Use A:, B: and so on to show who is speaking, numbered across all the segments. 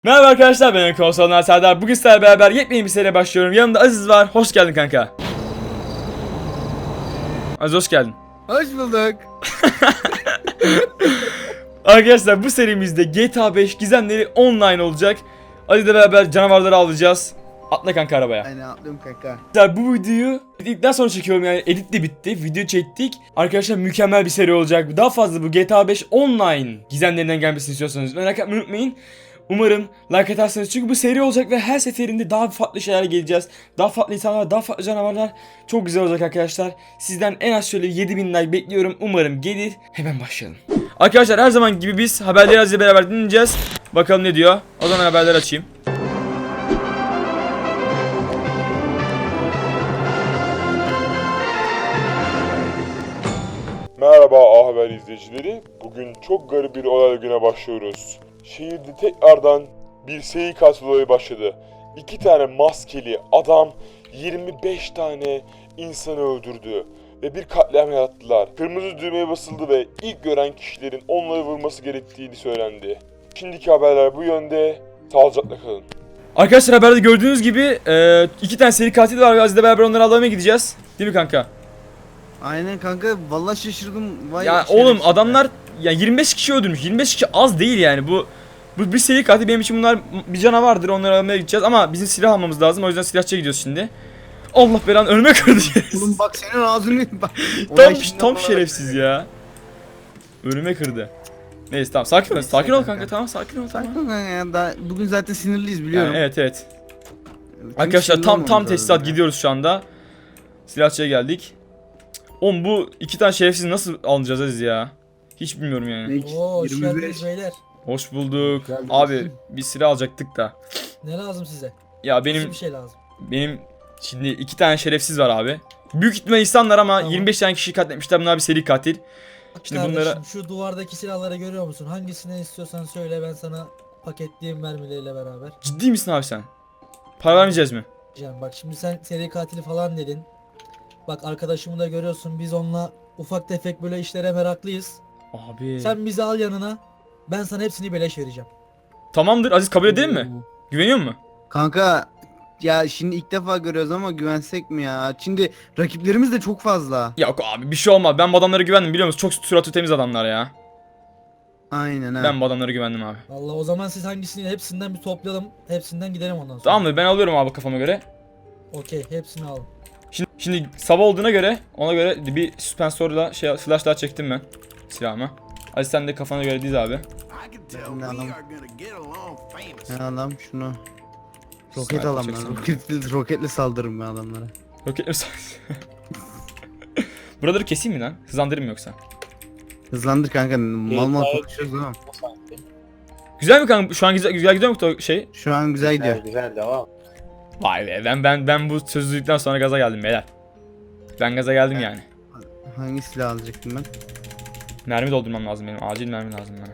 A: Merhaba arkadaşlar, ben Konsollar Serdar. Bugün sizlerle beraber yepyeni bir seriye başlıyorum. Yanımda Aziz var. Hoş geldin kanka. Aziz hoş geldin.
B: Hoş bulduk.
A: Arkadaşlar bu serimizde GTA 5 gizemleri online olacak. Aziz'le beraber canavarları avlayacağız. Atla kanka arabaya.
B: Aynen atlıyorum kanka.
A: Arkadaşlar bu videoyu editten sonra çekiyorum, yani edit de bitti. Video çektik. Arkadaşlar mükemmel bir seri olacak. Daha fazla bu GTA 5 online gizemlerinden gelmesini istiyorsanız merak etmeyi unutmayın. Umarım like atarsınız çünkü bu seri olacak ve her seferinde daha farklı şeyler geleceğiz. Daha farklı insanlar, daha farklı canavarlar. Çok güzel olacak arkadaşlar. Sizden en az şöyle 7000 like bekliyorum. Umarım gelir. Hemen başlayalım. Arkadaşlar her zaman gibi biz haberleri Aziz'le beraber dinleyeceğiz. Bakalım ne diyor. O zaman haberleri açayım.
C: Merhaba A Haber izleyicileri. Bugün çok garip bir olay güne başlıyoruz. Şehirde tekrardan bir seri katil olayı başladı. 2 tane maskeli adam 25 tane insanı öldürdü ve bir katliam yarattılar. Kırmızı düğmeye basıldı ve ilk gören kişilerin onları vurması gerektiğini söylendi. Şimdiki haberler bu yönde. Sağlıcakla kalın.
A: Arkadaşlar haberde gördüğünüz gibi 2 tane seri katil var ve Aziz'le beraber onları avlamaya gideceğiz. Değil mi kanka?
B: Aynen kanka vallahi şaşırdım. Vay
A: Ya
B: şerefsiz
A: oğlum
B: ya.
A: adamlar ya 25 kişi öldürmüş. 25 kişi az değil yani. Bu bir seri katil, benim için bunlar bir canavardır. Onları almaya gideceğiz ama bizim silah almamız lazım. O yüzden silahçıya gidiyoruz şimdi. Allah belanı, önüme kırdı.
B: Oğlum bak senin ağzını bak.
A: tam şerefsiz ya. Önüme kırdı. Neyse tamam, sakin ol.
B: Neyse
A: Sakin ol
B: kanka.
A: kanka, tamam sakin ol, tamam.
B: Sakin ol kanka ya daha bugün zaten sinirliyiz biliyorum.
A: Yani, evet.
B: Çünkü
A: Arkadaşlar
B: sinirli
A: tam
B: olmamız
A: tesisat
B: lazım ya.
A: gidiyoruz şu anda. Silahçıya geldik. Oğlum bu 2 tane şerefsiz nasıl alacağız Aziz ya? Hiç bilmiyorum yani.
B: Ne?
D: Oo, hoş
B: 25.
D: geldiniz beyler.
A: Hoş bulduk.
B: Geldiniz.
A: Abi bir silah alacaktık da.
D: Ne lazım size?
A: Ya
D: Benim
A: benim
D: bir şey lazım.
A: şimdi 2 tane şerefsiz var abi. Büyük ihtimal insanlar ama
D: Tamam.
A: 25 tane kişi katletmişler. Bunlar bir seri katil.
D: Bak
A: Şimdi
D: kardeşim,
A: bunlara-
D: şu duvardaki silahları görüyor musun? Hangisini istiyorsan söyle, ben sana paketleyeyim mermileriyle beraber.
A: Ciddi misin abi sen? Para vermeyeceğiz mi?
D: Diyeceğim bak, şimdi sen seri katili falan dedin. Bak arkadaşımı da görüyorsun, biz onunla ufak tefek böyle işlere meraklıyız.
A: Abi.
D: Sen bizi al yanına, ben sana hepsini beleş vereceğim.
A: Tamamdır Aziz, kabul edelim mi? Güveniyor musun?
B: Kanka ya şimdi ilk defa görüyoruz ama güvensek mi ya? Şimdi rakiplerimiz de çok fazla.
A: Yok abi bir şey olmaz. Ben bu adamlara güvendim, biliyor musun? Çok suratı temiz adamlar ya.
B: Aynen ha.
A: Ben bu adamlara güvendim abi.
D: Vallahi o zaman siz hangisini, hepsinden bir toplayalım. Hepsinden gidelim ondan sonra.
A: Tamamdır, ben alıyorum abi kafama göre.
D: Okey, hepsini al.
A: Şimdi sabah olduğuna göre ona göre bir süspansörle flash daha çektim ben silahıma. Aziz sen de kafana göre diz abi.
B: Ne alalım? Ne alalım şunu. Roket alalım ben. Roketle saldırırım ben adamlara.
A: Roketler Buraları keseyim mi lan? Hızlandırayım mı yoksa?
B: Hızlandır kanka. Mal mal konuşuyoruz ama.
A: Güzel mi kanka? Şu an güzel gidiyor mu o şey?
B: Şu an güzel gidiyor.
E: Güzel devam.
A: Vay be, ben bu sözlülükten sonra gaza geldim beyler. Ben gaza geldim yani.
B: Hangi silah alacaktım ben?
A: Mermi doldurmam lazım benim. Acil mermi lazım bana.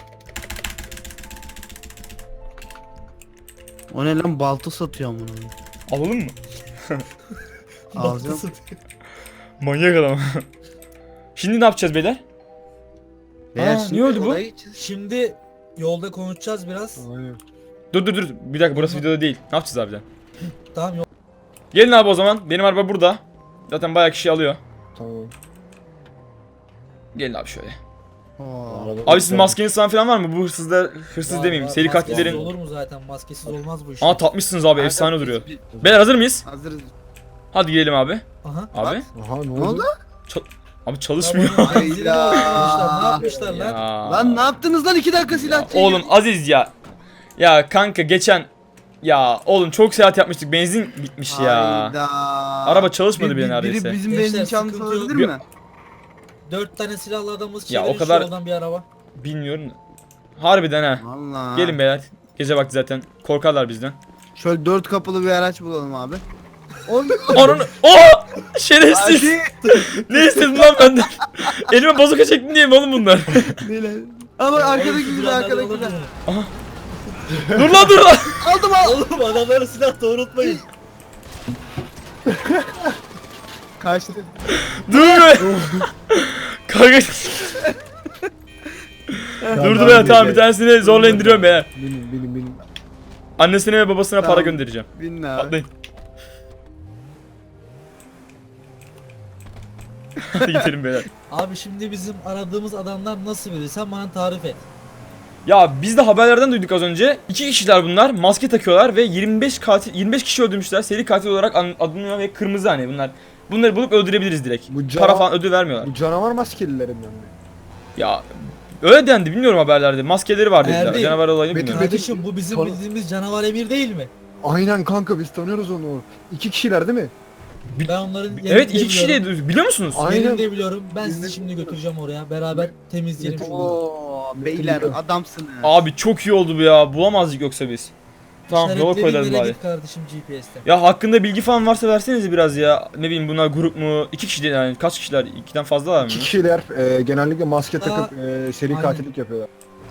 B: O ne lan, balta satıyor bunu.
A: Alalım mı?
B: Alacağım.
A: Manyak adam. Şimdi ne yapacağız beyler?
B: Beyler
A: Aa,
B: şimdi
A: niye öldü bu?
B: olaya geçeceğiz.
D: Şimdi yolda konuşacağız biraz.
A: Dur. Bir dakika, burası videoda değil. Ne yapacağız abi?
D: Tamam, yol.
A: Gelin abi o zaman. Benim araba burada. Zaten bayağı kişi alıyor.
D: Tamam.
A: Gelin abi şöyle.
B: Oo.
A: Abi sizin maskeniz falan var mı? Bu hırsız
D: Var,
A: demeyeyim.
D: var.
A: Seri
D: Maskesiz
A: katillerin.
D: olur mu zaten? Maskesiz olmaz bu iş.
A: Aa tatmışsınız abi,
B: Kanka,
A: efsane
B: biz-
A: duruyor.
B: biz-
A: Beyler hazır mıyız?
B: Hazırız.
A: Hadi gidelim abi.
D: Aha.
A: Abi.
E: Aha
B: Ne oldu?
A: Abi çalışmıyor.
D: Tamam,
B: Hayda.
D: zili bozmuşlar. Ne yapmışlar lan?
A: Ya.
B: Lan ne yaptınız lan, 2 dakika silah çekin.
A: Oğlum Aziz ya. Ya kanka geçen ya oğlum çok seyahat yapmıştık. Benzin bitmiş ya.
B: Hayda.
A: Araba çalışmadı bile
B: Biri
A: neredeyse.
B: bizim
D: Gençler,
B: benzin çalmış
D: sıkıntı yok.
B: olabilir mi?
D: 4 tane silahlı adamız
A: Ya, o
D: çevirin
A: kadar-
D: şu yoldan bir araba.
A: Bilmiyorum. Harbiden ha.
B: Valla.
A: Gelin beyler. Gece vakti zaten. Korkarlar bizden.
B: Şöyle 4 kapılı bir araç bulalım abi. Oğlum.
A: Ananı. Oh! Şerefsiz.
B: Hadi.
A: Ne istedin lan benden? Elime bazuka çektin diye mi oğlum bunlar?
B: Ama
D: Oğlum,
B: arkadaki
D: şu
B: güzel,
D: silahları
B: arkadaki
D: alır
B: güzel.
D: mı?
A: dur lan.
B: Aldım al.
D: Oğlum adamları silah doğrultmayın.
B: Kaçtı.
A: Dur be. Kanka. Durdu be, tamam bir tanesini zorla indiriyorum be.
B: Benim.
A: Annesine ve babasına para
B: Tamam.
A: göndereceğim.
B: Bin abi.
A: Atlayın. Hadi gidelim beyler.
D: Abi şimdi bizim aradığımız adamlar nasıl biri? Sen bana tarif et.
A: Ya biz de haberlerden duyduk az önce. 2 kişiler bunlar. Maske takıyorlar ve 25 kişi öldürmüşler. Seri katil olarak adını ve kırmızı hani bunlar. Bunları bulup öldürebiliriz direkt. Para falan ödül vermiyorlar.
E: Bu canavar maskelilerinden mi?
A: Ya öyle dendi, bilmiyorum haberlerde. Maskeleri var dediler.
D: Erdi.
A: Canavar olayını
E: Metin-
A: bilmiyorum.
D: Kardeşim bu bizim
E: Konu-
D: bildiğimiz canavar Emir değil mi?
E: Aynen kanka biz tanıyoruz onu. 2 kişiler değil mi?
D: Ben onların yerini
A: Evet,
D: de
A: 2 kişi
D: biliyorum.
A: de biliyor musunuz?
E: Aynen.
D: Yerini de biliyorum. Ben sizi şimdi götüreceğim oraya. Beraber temizleyelim şunu.
B: Oo beyler adamsınız.
A: Abi çok iyi oldu bu ya. Bulamazdık yoksa biz. Tamam, yola
D: İşaretlerin
A: koyalım
D: yere
A: bari.
D: git kardeşim GPS'te.
A: Ya hakkında bilgi falan varsa versenize biraz ya. Ne bileyim, bunlar grup mu? 2 kişi de yani, kaç kişiler? 2'den fazla var mı?
E: 2 kişiler genellikle maske
D: Aa,
E: takıp seri
D: aynen.
E: katillik yapıyorlar.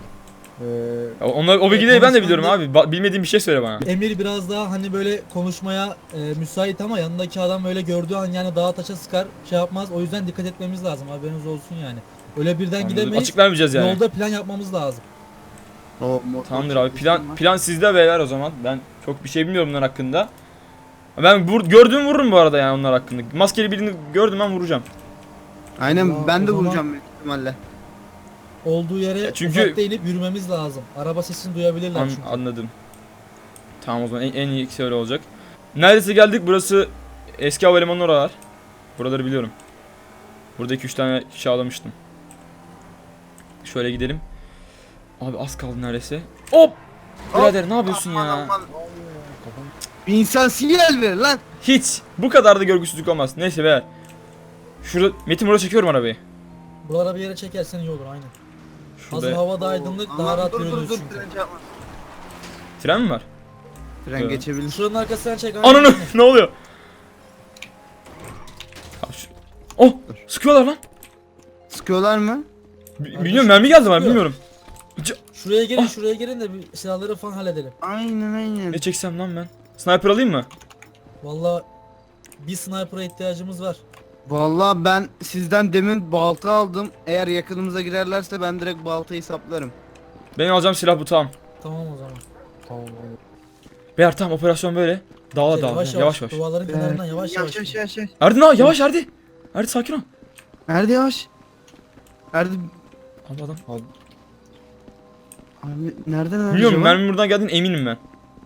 A: Ya onlar, o bilgileri ben de biliyorum
D: konuşmanda-
A: abi. Bilmediğim bir şey söyle bana.
D: Emir biraz daha hani böyle konuşmaya müsait ama yanındaki adam böyle gördüğü an yani dağa taşa sıkar şey yapmaz. O yüzden dikkat etmemiz lazım, haberiniz olsun yani. Öyle birden
A: Anladım.
D: gidemeyiz.
A: Açık vermeyeceğiz yani.
D: Yolda plan yapmamız lazım.
A: Tamamdır abi. Plan sizde beyler o zaman. Ben çok bir şey bilmiyorum bunlar hakkında. Ben gördüğümü vururum bu arada yani onlar hakkında. Maskeli birini gördüm, ben vuracağım.
B: Aynen
D: Allah,
B: ben de
D: o zaman-
B: vuracağım büyük ihtimalle.
D: Olduğu yere
A: çünkü-
D: uzakta inip yürümemiz lazım. Araba sesini duyabilirler çünkü.
A: Anladım. Tamam, o zaman en iyisi öyle olacak. Neredeyse geldik. Burası eski havalimanı oralar. Buraları biliyorum. Burada 2-3 tane kişi ağlamıştım. Şöyle gidelim. Abi az kaldı neredeyse. Hop! Birader ne yapıyorsun
B: Aman,
A: ya?
B: aman. Bir insan sinyal ver lan.
A: Hiç. Bu kadar da görgüsüzlük olmaz. Neyse be. Şurada Metin, buraya çekiyorum arabayı.
D: Buralara bir yere çekersen iyi olur aynen. Hazır
A: Şurada
D: havada aydınlık daha
B: Aman,
D: rahat
B: dur,
D: yürürüz
B: dur,
D: çünkü.
B: tren çarpma.
A: tren mi var?
B: Tren geçebilir.
D: Şuranın arkasından çek aynen.
A: Ananı ne oluyor? Abi Oh! Sıkıyorlar lan.
B: Sıkıyorlar mı?
A: Bilmiyorum, mermi geldi bana,
D: sıkıyor.
A: bilmiyorum.
D: Şuraya gelin
A: Ah.
D: şuraya gelin de bir silahları falan halledelim.
B: Aynen aynen.
A: Ne çeksem lan ben? Sniper alayım mı?
D: Vallahi bir sniper'a ihtiyacımız var.
B: Vallahi ben sizden demin balta aldım. Eğer yakınımıza girerlerse ben direkt baltayı saplarım.
A: Benim alacağım silah bu, tamam.
D: Tamam o zaman.
E: Tamam aynen.
A: Beyler tamam, operasyon böyle. Dağla
D: Şey,
A: dağla. Yavaş yavaş.
D: Duvarların kenarından yavaş yavaş.
B: Yavaş.
A: Erdi ne? Yavaş Erdi. Erdi sakin ol.
B: Nerede yavaş? Nerede?
A: Abi adam.
B: Abi nereden
A: Biliyorum,
B: acaba?
A: mermi buradan geldiğine eminim ben.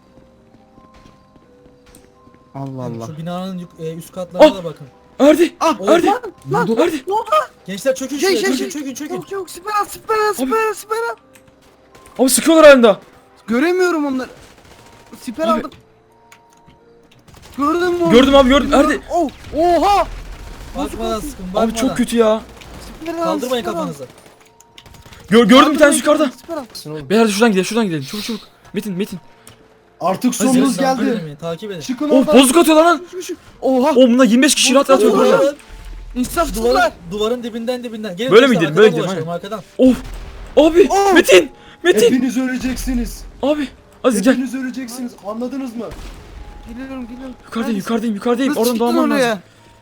B: Allah Allah.
D: Şu binanın üst katlarına
A: Ah!
D: da bakın.
A: Erdi.
B: Ah
A: Erdi.
B: lan
A: Erdi.
D: Gençler çökün
B: Şey,
D: şuraya,
B: şey,
D: çökün.
B: Çok süper süper.
A: Abi sıkıyorlar halinde.
B: Göremiyorum onları. Siper
A: Abi.
B: aldım. Gördün mü? onu?
A: Gördüm abi, gördüm. Erdi.
B: Oh, oha!
D: Bakmadan sıkın, bakmadan.
A: Abi çok kötü ya.
B: Siper aldım,
D: Kaldırmayın
B: siper aldım.
D: kafanızı.
A: Gördüm bir tanesi yukarıda.
B: Siper aldım.
A: Beyler şuradan gidelim. Çabuk. Metin.
E: Artık
A: Hadi
E: sonumuz
D: Takip
E: geldi.
D: edin, takip edin.
E: Çıkın
A: Oh,
E: oradan.
A: bozuk atıyorlar lan.
B: Oha!
A: Oh, bunlar 25 kişi rahat öldürürler.
D: Duvarın,
B: İnsafsızlar.
D: duvarın dibinden. Gelin
A: Böyle mi
D: gençler,
A: gidelim, böyle
D: arkadan
A: gidelim,
D: dolaşalım, arkadan.
A: Of. Abi.
B: Oh!
A: Metin.
E: Hepiniz öleceksiniz.
A: Abi. Aziz gel.
E: Hepiniz öleceksiniz. Anladınız mı?
B: Geliyorum.
A: Yukarıdayım.
B: Nasıl
A: Oradan
B: çıktın
A: doğmam lazım.
B: oraya?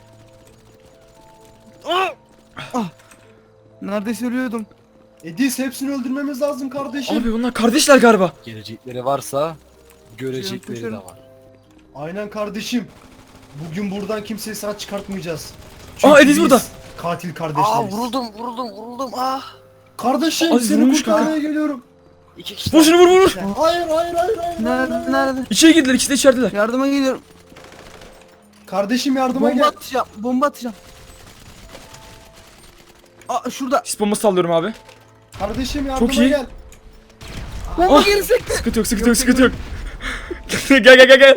B: Ah! Neredeyse ölüyordum.
E: Edis hepsini öldürmemiz lazım kardeşim.
A: Abi bunlar kardeşler galiba.
F: Gelecekleri varsa görecekleri de
B: Koşuyorum.
F: var.
E: Aynen kardeşim. Bugün buradan kimseyi sağ çıkartmayacağız.
A: Ediz
E: biz
A: burada.
E: Katil kardeşleriz.
F: Vuruldum. Ah.
E: Kardeşim
A: Aziz
E: seni
A: vurmuş
E: kurtarmaya geliyorum.
F: İki kişi.
A: Vur şunu, vur.
E: Hayır.
B: Nerede?
A: İçeri girdiler, ikisi de içerideler.
B: Yardıma geliyorum.
E: Kardeşim yardıma
B: Bomba
E: gel.
B: atacağım. Bomba atacağım. Aa şurada.
A: Sis bombası sallıyorum abi.
E: Kardeşim yardıma
A: Çok iyi.
E: gel.
B: Bomba
A: Ah!
B: geri sekti.
A: Sıkıntı yok. Gel.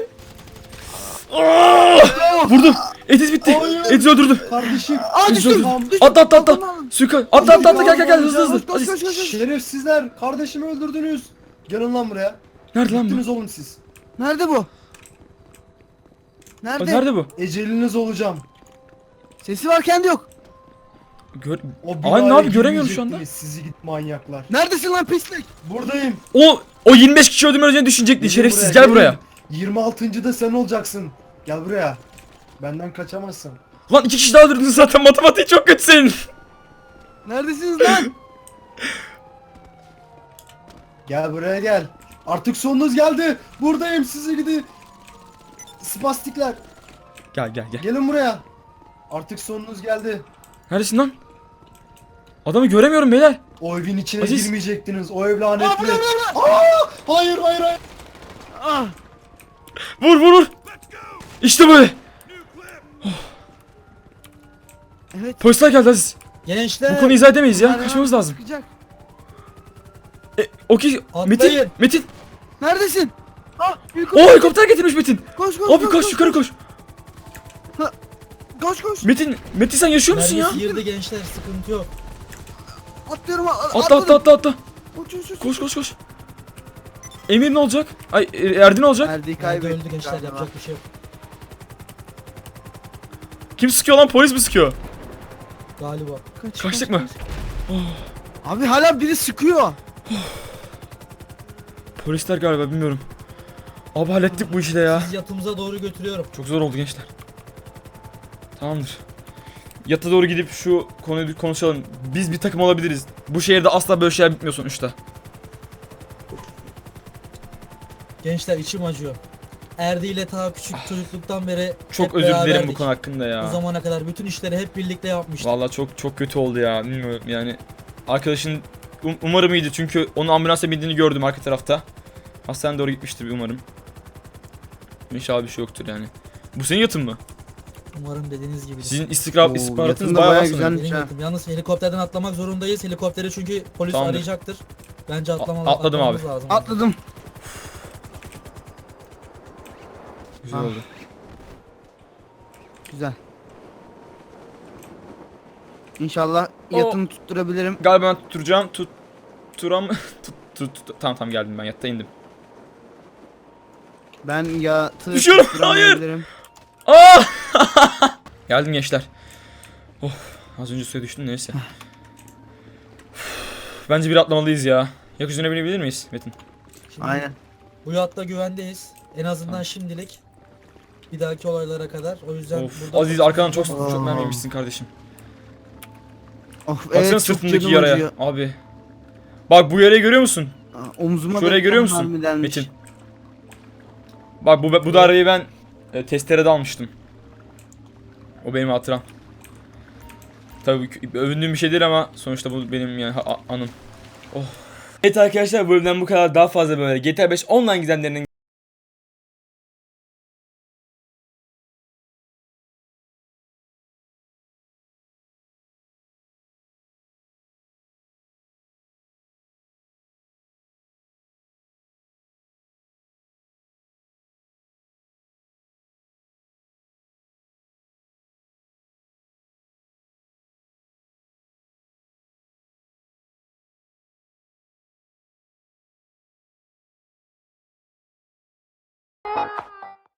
A: Vurdum. Ediz bitti.
E: Hayır.
A: Ediz öldürdüm.
E: Kardeşim.
B: Aa düştüm.
E: Tamam.
B: Düştüm.
A: Atla.
B: Tamam.
A: Suika. Atla gel hızlı.
B: Koş,
A: Aziz.
B: koş.
E: Şerefsizler. Kardeşimi öldürdünüz. Gelin lan buraya.
A: Nerede lan bu?
E: Gittiniz oğlum siz.
B: Nerede bu? Nerede?
A: Nerede bu?
E: Eceliniz olacağım.
B: Sesi var kendi yok.
E: O
A: Ay,
E: binaya
A: ne yapayım, göremiyorum şu anda.
E: girmeyecektiniz, sizi git manyaklar.
B: Neredesin lan pislik?
E: Buradayım.
A: O 25 kişi öldürmeden düşünecekti.
E: Gelin
A: Şerefsiz, gel buraya.
E: gelin. 26. da sen olacaksın. Gel buraya. Benden kaçamazsın.
A: Lan 2 kişi daha öldürdün zaten, matematiği çok kötü senin.
B: Neredesiniz lan?
E: Gel buraya gel. Artık sonunuz geldi. Buradayım sizi gidi. Spastikler.
A: Gel gel gel.
E: Gelin buraya. Artık sonunuz geldi.
A: Neredesin lan? Adamı göremiyorum beyler.
E: O evin içine
A: Aziz.
E: girmeyecektiniz. O ev lanetli. Aa, hayır hayır hayır.
A: Vur vur vur. İşte böyle.
B: Evet.
A: Polisler geldi Aziz.
D: Gençler
A: Bu konuyu izah edemeyiz ya.
B: Hala
A: Kaçmamız lazım.
B: sıkacak.
A: Okey. Metin.
D: Atlayın.
A: Metin.
B: Neredesin? Ah,
A: Oo helikopter getirmiş Metin.
B: koş koş.
A: Abi koş yukarı koş.
B: Koş koş.
A: Metin sen yaşıyor musun ya?
D: mermisi girdi gençler, sıkıntı yok.
B: Atlıyorum.
A: Atla.
B: Uç, uç, uç.
A: Koş koş koş. Emir ne olacak? Ay Erdi ne olacak?
B: Erdi'yi
D: Nerede
B: kaybettik
D: öldü gençler,
B: galiba.
D: yapacak bir şey yok.
A: Kim sıkıyor lan? Polis mi sıkıyor?
D: Galiba.
A: Kaçtık mı?
B: Abi hala biri sıkıyor.
A: Polisler galiba bilmiyorum. Abi hallettik bu işi de ya.
D: Siz yatımıza doğru götürüyorum.
A: Çok zor oldu gençler. Tamamdır. Yata doğru gidip şu konuyu bir konuşalım. Biz bir takım olabiliriz. Bu şehirde asla böyle şeyler bitmiyor sonuçta.
D: Gençler içim acıyor. Erdi ile ta küçük çocukluktan beri
A: Çok
D: hep
A: özür dilerim bu
D: beraberdik.
A: konu hakkında
D: Bu
A: ya.
D: zamana kadar bütün işleri hep birlikte yapmıştık.
A: Vallahi çok kötü oldu ya. Bilmiyorum yani. Arkadaşın umarım iyiydi çünkü onun ambulansa bindiğini gördüm arka tarafta. Hastaneye doğru gitmiştir umarım. İnşallah bir şey yoktur yani. Bu senin yatın mı?
D: Umarım dediğiniz gibi.
A: Sizin
B: Oo,
A: istihbaratınız
B: yatın da
A: bayağı
B: bayağı
A: var sanırım.
B: güzelmiş ha.
D: Yalnız helikopterden atlamak zorundayız. Helikopteri çünkü polis
A: Tamamdır.
D: arayacaktır. Bence
A: Atladım
D: atlamamız
A: abi.
D: lazım.
B: Atladım.
A: Güzel
B: Ah.
A: oldu.
B: Güzel. İnşallah
A: O-
B: yatını tutturabilirim.
A: Galiba ben tutturacağım. Tutturam. Tamam geldim ben yatta indim.
B: Ben yatı
A: Düşüyorum,
B: tutturamayabilirim.
A: Aa! Geldim gençler. Oh, az önce suya düştüm neyse. Bence bir atlamalıyız ya. Gökyüzüne binebilir miyiz Metin?
D: Şimdi
B: Aynen.
D: Bu yatta güvendeyiz. En azından şimdilik. Bir dahaki olaylara kadar. O yüzden
A: Of,
D: burada
A: Aziz arkadan çok
B: Aa.
A: mermi yemişsin kardeşim.
B: Of,
A: Baksana
B: evet çok
A: sırtındaki
B: canım
A: yaraya.
B: acıyor.
A: Abi. Bak bu yarayı görüyor musun?
B: Omzuma
A: Şurayı
B: da
A: görüyor
B: tam
A: musun
B: mermi delmiş.
A: Metin? Bak bu darbeyi ben testerede almıştım. O benim hatıram. Tabii övündüğüm bir şey değil ama sonuçta bu benim yani anım. Oh. Evet arkadaşlar bu bölümden bu kadar. Daha fazla böyle GTA 5 online gizemlerinin